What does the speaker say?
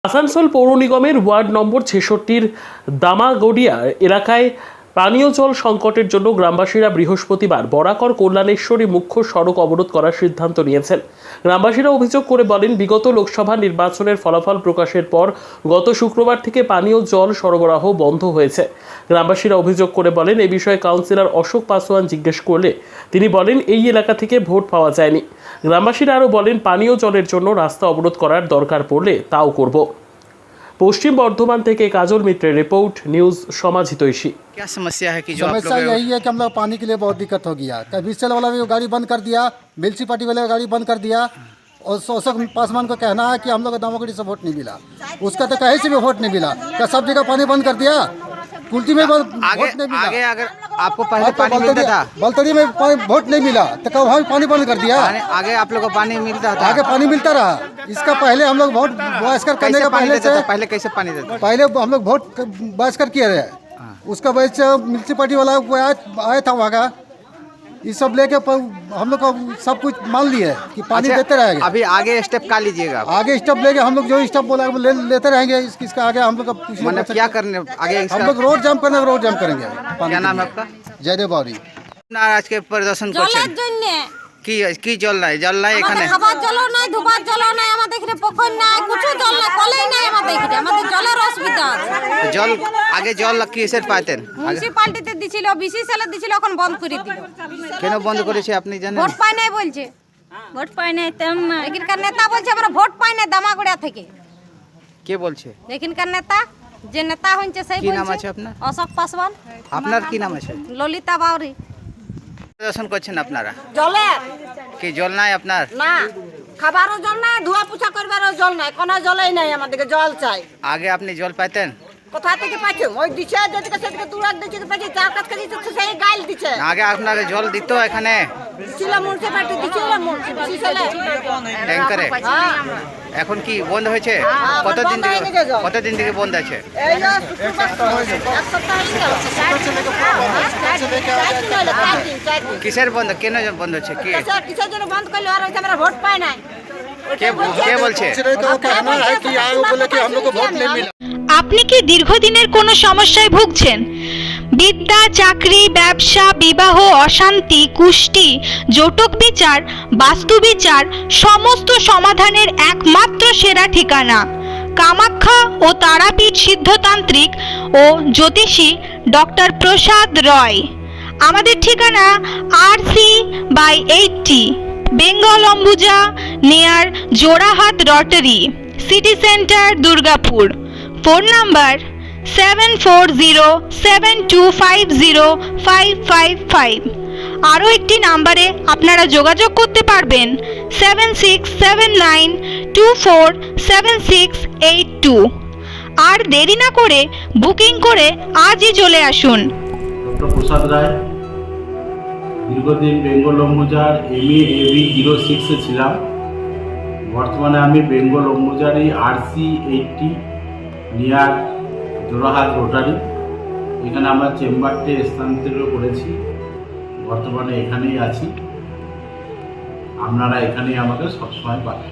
আসানসোল পৌর নিগমের ward number ৬৬-র দামাগড়িয়া এলাকায় পানীয় জল সংকটের জন্য গ্রামবাসীরা বৃহস্পতিবার বরাকর কল্যাণেশ্বরী মুখ্য সড়ক অবরোধ করার সিদ্ধান্ত নিয়েছেন। গ্রামবাসীরা অভিযোগ করে বলেন, বিগত লোকসভা নির্বাচনের ফলাফল প্রকাশের পর গত শুক্রবার থেকে পানীয় জল সরবরাহ বন্ধ হয়েছে। গ্রামবাসীরা অভিযোগ করে বলেন, এই বিষয়ে কাউন্সিলর অশোক পাসওয়ান জিজ্ঞেস করলে তিনি বলেন এই এলাকা থেকে ভোট পাওয়া যায়নি। গ্রামবাসীরা আরও বলেন, পানীয় জলের জন্য রাস্তা অবরোধ করার দরকার পড়লে তাও করব। पश्चिम बर्धमान থেকে काजल मित्र रिपोर्ट न्यूज समाज हितैषी। क्या समस्या है कि जो समस्या यही है कि हम लोग पानी के लिए बहुत दिक्कत हो गया। कभी सेल वाला भी गाड़ी बंद कर दिया, म्यूनसिपालिटी वाले गाड़ी बंद कर दिया और अशोक पासवान को कहना है कि हम लोग दामागढ़ी से वोट नहीं मिला। उसका तो कहीं से भी वोट नहीं मिला, क्या सब जगह पानी बंद कर दिया। कुल्टी में वोट नहीं मिला। आगे अगर आपको पहले पानी मिलता था, बलतड़ी में वोट नहीं मिला तो कब हम पानी बंद कर दिया। आगे आप लोग को पानी मिलता था, आगे पानी मिलता रहा। इसका पहले हम लोग वोट बहिष्कार करने का पहले कैसे पानी देते? पहले हम लोग वोट बहिष्कार किए रहे। उसका वजह से म्यूनसिपालिटी वाला आया था वहाँ का, ये सब लेके हम लोग का सब कुछ मान लिए कि पानी देते रहेंगे। अभी आगे स्टेप का लीजिएगा? आगे स्टेप लेके हम लोग जो स्टेप बोला लेते रहेंगे। इसका आगे हम लोग का मतलब क्या करने आगे? हम लोग रोड जाम करने रोड जाम करेंगे। क्या नाम है आपका? जयदेव बावरी। आज के प्रदर्शन করছেন কি জল নাই? জল নাই এখানে, খাবার জলও নাই, ধোবার জলও নাই, আমাদের এখানে পুকুর নাই, কিছু জল নাই, কলেই নাই আমাদের এখানে। আমাদের জলের অসুবিধা আছে। জল আগে জল কিসের পাইতেন? মিউনিসিপালিটিতে দিছিল, বিসিসিএল দিছিল, এখন বন্ধ করে দিল। কেন বন্ধ করেছে আপনি জানেন? ভোট পাই নাই বলছে। ভোট পাই নাই তেম এখানকার নেতা বলছে আমরা ভোট পাই নাই দামাগড়িয়া থেকে। কে বলছে? এখানকার নেতা, যে নেতা হচ্ছে সেই কি বলছে। নাম আছে আপনার? অশোক পাসওয়ান। আপনার কি নাম আছে? ললিতা বাউরি। প্রদর্শন করছেন আপনারা? জলে কি জল নাই আপনার? না, খাবারও জল নাই, ধোয়া পোছা করবারও জল নাই, কোনো জলই নাই। আমাদেরকে জল চাই। আগে আপনি জল পাইতেন? কোথা থেকে পাচ্ছি? ওই দিছে যেদিকে সেদিকে তুরাক দিচ্ছে পাচ্ছি, চার কাজ করে দিচ্ছে সেই গাইল দিচ্ছে। আগে আপনাকে জল দিত এখানে? ছিল মুন্সিপালিটি দিছিল, বিসিসিএল ট্যাঙ্কারে। এখন কি বন্ধ হয়েছে? কতদিন থেকে বন্ধ আছে? এই যে শুক্রবার এক সপ্তাহ হয়ে গেল। কিসের বন্ধ? কেন বন্ধ হচ্ছে? কি কিসের জন্য বন্ধ করলো? আর হচ্ছে আমরা ভোট পাই নাই। কে বলছে? আপনি কি দীর্ঘদিনের কোনো সমস্যায় ভুগছেন? বিদ্যা, চাকরি, ব্যবসা, বিবাহ, অশান্তি, কুষ্টি, জটক বিচার, বাস্তু বিচার, সমস্ত সমাধানের একমাত্র সেরা ঠিকানা কামাখ্যা ও তারাপীঠ সিদ্ধতান্ত্রিক ও জ্যোতিষী ডক্টর প্রসাদ রয়। আমাদের ঠিকানা RC/80 Bengal Ambuja near Jorahat rotary, city centre, Durgapur. Phone number 7407250555। আরও একটি নাম্বারে আপনারা যোগাযোগ করতে পারবেন 7679247682। আর দেরি না করে বুকিং করে আজই চলে আসুন। ডক্টর প্রসাদ রায়, দীর্ঘদিন বেঙ্গল অম্বুজার MA/AB 06-এ ছিলাম। বর্তমানে আমি বেঙ্গল অম্বুজারই RC/80 নিয়ার জোড়াহাট রোটারি, এখানে আমরা চেম্বারটি স্থানান্তরিত করেছি। বর্তমানে এখানেই আছি, আপনারা এখানেই আমাকে সবসময় পাবেন।